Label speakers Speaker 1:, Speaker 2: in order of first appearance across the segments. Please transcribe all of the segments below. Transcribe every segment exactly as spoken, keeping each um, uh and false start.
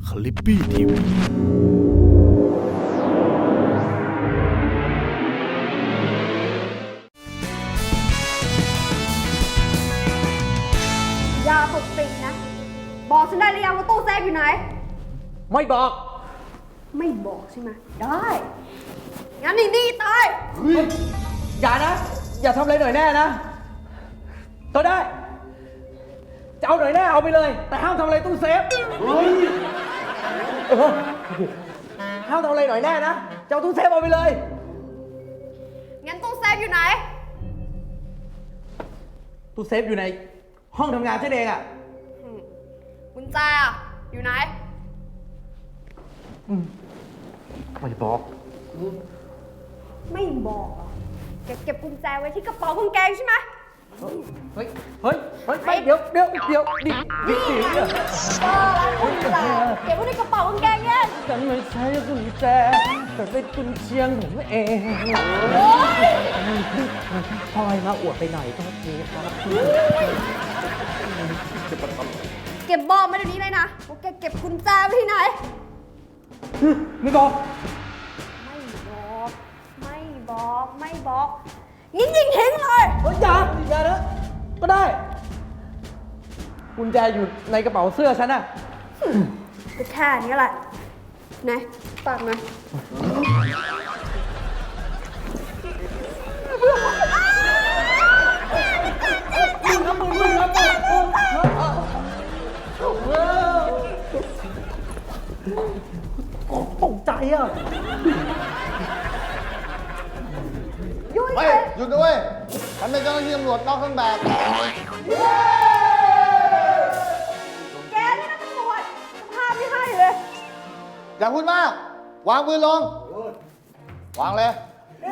Speaker 1: คลิปปี้ทีวี
Speaker 2: อย่าปกปิดนะบอกฉันได้หรือยังว่าตู้เซฟอยู่ไหน
Speaker 3: ไม่บอก
Speaker 2: ไม่บอกใช่ไหมได้งั้นนี่นี่ตาย
Speaker 3: อย่านะ อย่าทำอะไรหน่อยแน่นะก็ได้จะเอาหน่อยแน่เอาไปเลย แต่ห้ามทำอะไรตู้เซฟเฮ้ยเออห้ามทำอะไรหน่อยแน่นะจะเอาตู้เซฟเอาไปเลย
Speaker 2: งั้นตู้เซฟอยู่ไหน
Speaker 3: ตู้เซฟอยู่ในห้องทำงานฉันเองอ่ะ
Speaker 2: กุญแจอะอยู่ไหน
Speaker 3: ไม่บอก
Speaker 2: ไม่บอกเหรอแกเก็บกุญแจไว้ที่กระเป๋ากางเกงใช่ไหม
Speaker 3: เฮ้ยเฮ้ยเฮ้ยไปเดี๋ยวเดี๋ยวเดี๋ยวดิดิดิ
Speaker 2: เออกุญแจเก็บไว้ในกระเป๋ากางเกงเนี่ย
Speaker 3: ฉันไม่ใช่กุญแจแต่เป็นกุญเชียงผมเอง
Speaker 2: โอ๊ย
Speaker 3: พลอยมาอวดไปหน่อยก็ทีครับ
Speaker 2: เก็บบอกมาเดี๋ยวนี้เลยนะว่าแกเก็บกุญแจไว้ที่ไหน
Speaker 3: ไม่บอก
Speaker 2: ไม่บอก ไม่บอก ไม่บอกยิงยิงทิ้งเลย
Speaker 3: เฮ้ยอย่าอย่านะก็ได้กุญแจอยู่ในกระเป๋าเสื้อฉันน่ะ
Speaker 2: ก็แค่นี้แหละไหนฝากหน่อย
Speaker 3: ตกใจอ่ะ
Speaker 2: ยุ่ย
Speaker 4: เฮ้ย หยุดด้วยฉันเป็นเจ้าหน้าที่ตำรวจนอกเครื่องแบบ
Speaker 2: แกนี่นะตำรวจสภาพไม่ให้เลย
Speaker 4: อย่าพูดมาก วางปืนลง วางเลย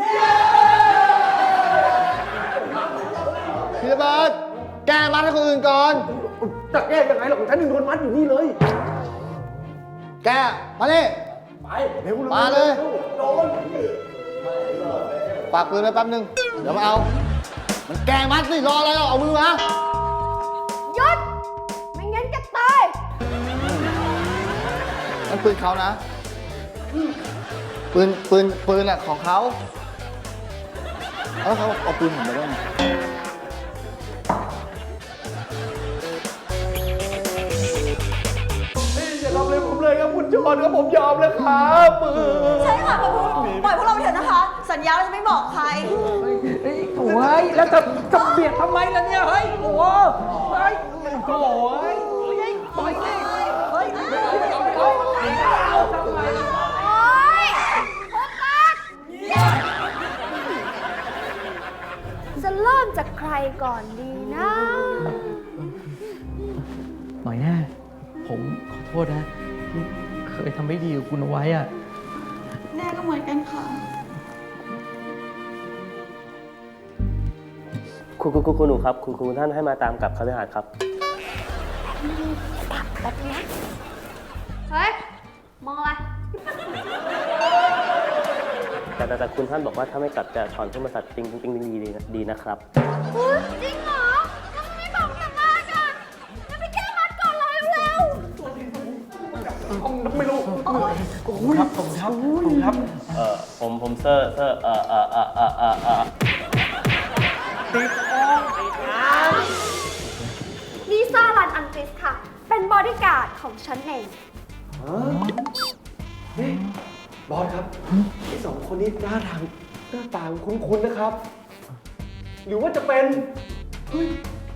Speaker 4: พี่ระเบิดแกมัดให้คนอื่นก่อน
Speaker 3: จะแก้ยังไงหรอกฉันหนึ่งคนมัดอยู่นี่เลย
Speaker 4: แก มานี่
Speaker 3: ไปเร็ว
Speaker 4: มาเลย
Speaker 3: โดน
Speaker 4: ฝากปืนไว้แป๊บนึง เดี๋ยวมาเอา มันแกมัดสิ รออะไรเราเอามือมา
Speaker 2: หยุด ไม่งั้นแกตาย
Speaker 4: นั่นปืนเขานะ ปืน ปืน ปืนอะของเขาแล้วเขาเอาปืนผมไปได้ไง
Speaker 3: อย่าทำอะไรผมเลยครับคุณจอนครับผมยอมแล้วครับ
Speaker 5: ใช่ค่ะคุณปล่อยพวกเราไปเถอะนะคะ สัญญาเราจะไม่บอกใคร
Speaker 3: เฮ้ยโอ้ยแล้วจะจะเบียดทำไมล่ะเนี่ยเฮ้ยโอ้ยเฮ้ยโอ้ยปล่อยสิเฮ้ยเอาทำไม
Speaker 2: โอ๊ยโอ๊ยปากจะเริ่มจากใครก่อนดีนะ
Speaker 3: หน่อยแน่ผมขอโทษนะที่เคยทำไม่ดีกับคุณเอาไว้อะ
Speaker 5: แน่ก็เหมือนกันค่ะ
Speaker 6: คุณคุณคุณคุณหนูครับคุณคุณท่านให้มาตามกลับคฤหาสน์ครับ
Speaker 2: เฮ้ย มองอะไร
Speaker 6: แต่แต่แต่คุณท่านบอกว่าถ้าไม่กลับจะถอนขึ้นมาสัตว์จริงจริงดีดีดีนะครับ
Speaker 2: เฮ้ยจริงเหรอทำไมไม่บอกแต่แรกอ่ะจะไปแก้มัดก่อนเลยเร็ว
Speaker 3: ไม่รู้ครับผมครับผมครับ
Speaker 6: เอ่อผมผมเซอร์เซอร์เอ่อเอ่อเอ่อเอ่อเอ่อเอ่อ
Speaker 2: ลิซ่ารันอังกฤษค่ะ เป็นบอดี้การ์ดของฉันเอง
Speaker 7: บอสครับไอ้สองคนนี้หน้าทางหน้าตาคุ้นๆนะครับ หรือว่าจะเป็น เฮ้ย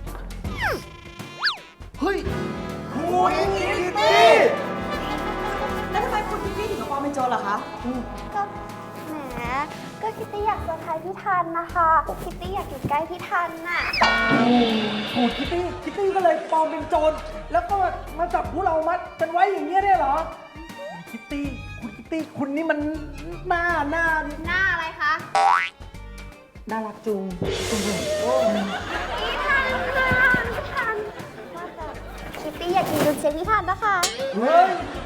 Speaker 7: เฮ้ยคุณคิตตี้
Speaker 5: แล้วทำไมคุณพี่พี่ถึงกับปลอมเป็นโจรล่ะคะ
Speaker 8: ก็แหมก็คิตตี้อยากเซอร์ไพรส์พี่ทันนะคะคิตตี้อยากอยู่ใกล้พี่ทันน่ะ
Speaker 3: โอ้คิตตี้คิตตี้ก็เลยปลอมเป็นโจรแล้วก็มาจับพวกเรามัดกันไว้อย่างเงี้ยได้เหรอคิตตี้คุณคิตตี้คุณนี่มันหน้าหน้า
Speaker 2: หน้าอะไรคะ
Speaker 3: น่ารักจุง
Speaker 8: พี่ทันค่ะพี่ทันว่าแต่คิตตี้อยากกินดุนเชฟพี่ทันนะคะ
Speaker 3: เฮ้ย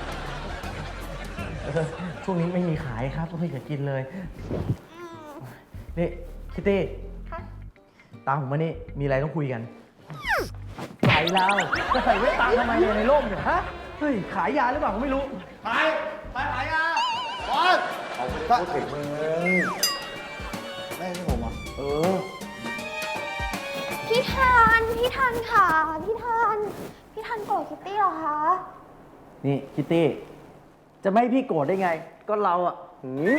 Speaker 3: ช่วงนี้ไม่มีขายครับไม่เคยกินเลยนี่คิตตี้
Speaker 8: ค่ะ
Speaker 3: ตามผมมานี่มีอะไรต้องคุยกันใส่เราจะใส่ไว้ตามทำไมเนี่ยในร่มเนี่ยฮะเฮ้ย ขายยาหรือเปล่าผมไม่รู้
Speaker 4: ไปไปขายยาบอสเอาไปพูดถึงมึงไม่ใช่ผมอ่ะเออ
Speaker 8: พี่ทัน พี่ทันค่ะ พี่ทัน พี่ทันโกรธคิตตี้เหรอคะ
Speaker 3: นี่คิตตี้ จะไม่ให้พี่โกรธได้ไง ก็เราอะหืม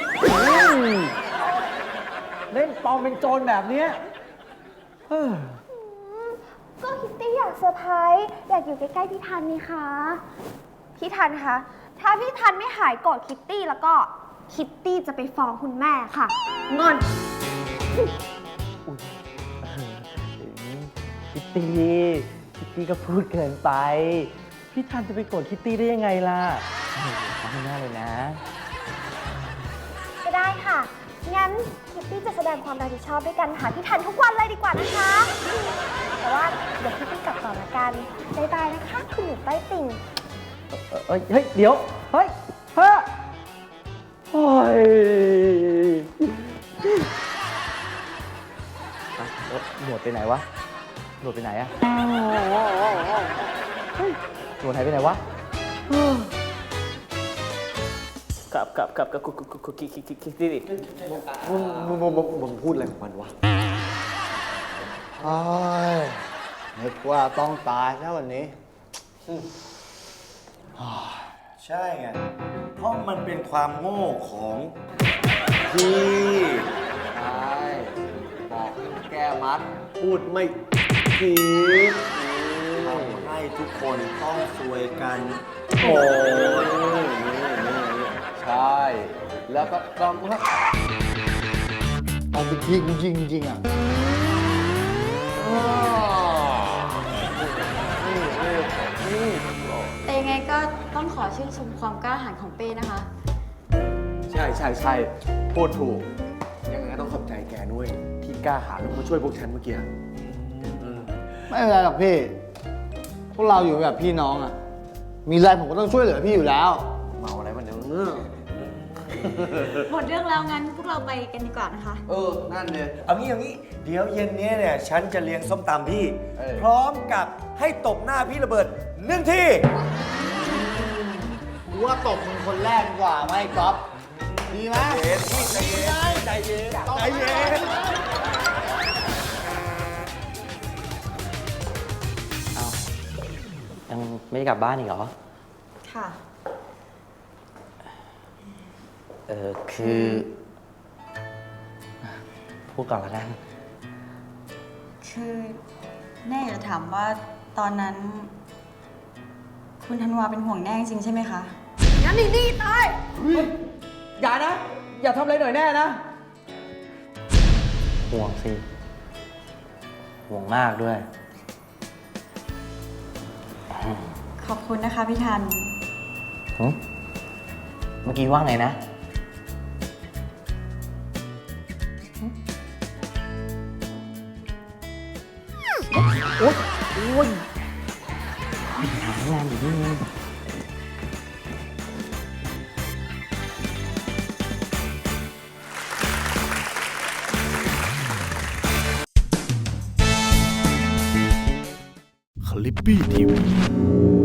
Speaker 3: เล่นปลอมเป็นโจรแบบเนี้ยเฮ้อ
Speaker 8: ก็คิตตี้อยากเซอร์ไพรส์อยากอยู่ใกล้ๆพี่ทันนี่คะ พี่ทันคะ ถ้าพี่ทันไม่หายโกรธคิตตี้แล้วก็คิตตี้จะไปฟ้องคุณแม่ค่ะ งอน
Speaker 3: คิตตี้คิตตี้ก็พูดเกินไป พี่ทันจะไปโกรธคิตตี้ได้ยังไงล่ะทำไม่ได้เลยนะ
Speaker 8: ก็ได้ค่ะ งั้นคิตตี้จะแสดงความรับผิดชอบด้วยกันหาพี่ทันทุกวันเลยดีกว่านะคะ แต่ว่าเดี๋ยวคิตตี้กลับก่อนละกันบ๊ายบายนะคะ คุณหนูใต้ติ่ง
Speaker 3: เอ้ยเฮ้ย เดี๋ยว เฮ้ยเฮ้ยโอ้ยอ่ะแล้วหนวดไปไหนวะ หนวดไปไหนอะเฮ้ยหนวดหายไปไหนวะ
Speaker 6: กับกับกับกับคุกคุกคุกคุกคิกคิกคิกคิกดิ
Speaker 7: มึงมึงมึงมึงพูดอะไรของมันวะ
Speaker 4: โอ้ยนึกว่าต้องตายแล้ววันนี้
Speaker 1: ใช่ไง เพราะมันเป็นความโง่ของพี่
Speaker 7: ใช่ บอกแก้มัด พูดไม่ผิด
Speaker 1: ทำให้ทุกคนต้องซวยกัน
Speaker 7: โอ้ยใช่ แล้วก็ต้อง
Speaker 4: เอาไปยิงยิงยิงอ่ะ
Speaker 5: แต่ยังไงก็ต้องขอชื่นชมความกล้าหาญของเป้นะคะ
Speaker 7: ใช่ใช่ใช่พูดถูก ยังไงก็ต้องขอบใจแกด้วย ที่กล้าหาญลงมาช่วยพวกฉันเมื่อกี้
Speaker 4: ไม่เป็นไรหรอกพี่ พวกเราอยู่แบบพี่น้องอ่ะ มีอะไรผมก็ต้องช่วยเหลือพี่อยู่แล้ว
Speaker 7: เมาอะไรมันเนอะ
Speaker 5: หมดเรื่องแล้วงั้นพวกเราไปกันดีกว่านะคะ
Speaker 7: เออ นั่นเลย
Speaker 1: เอางี้เอางี้ เดี๋ยวเย็นนี้เนี่ย ฉันจะเลี้ยงส้มตำพี่
Speaker 7: เออ
Speaker 1: พร้อมกับให้ตบหน้าพี่ระเบิดหนึ่งที
Speaker 4: กูว่าตบมึงคนแรกดีกว่าไหมก๊อฟดีไหม
Speaker 1: เย็นพี่ใจเย็นใจเย็นใจเย็น
Speaker 3: ยังไม่ได้กลับบ้านอีกเหรอ
Speaker 5: ค่ะ
Speaker 3: เออคือ พูดก่อนละกัน
Speaker 5: คือแน่อยากจะถามว่าตอนนั้น คุณธันวาเป็นห่วงแน่จริงๆใช่ไหมคะ
Speaker 2: งั้นนี่นี่ตาย
Speaker 3: อย่านะ อย่าทำอะไรหน่อยแน่นะ ห่วงสิ ห่วงมากด้วย
Speaker 5: ขอบคุณนะคะพี่ทัน
Speaker 3: หึเมื่อกี้ว่าไงนะหึโอ๊ยโอ๊ยหางานอยู่นี่เอง
Speaker 9: คลิปปี้ทีวี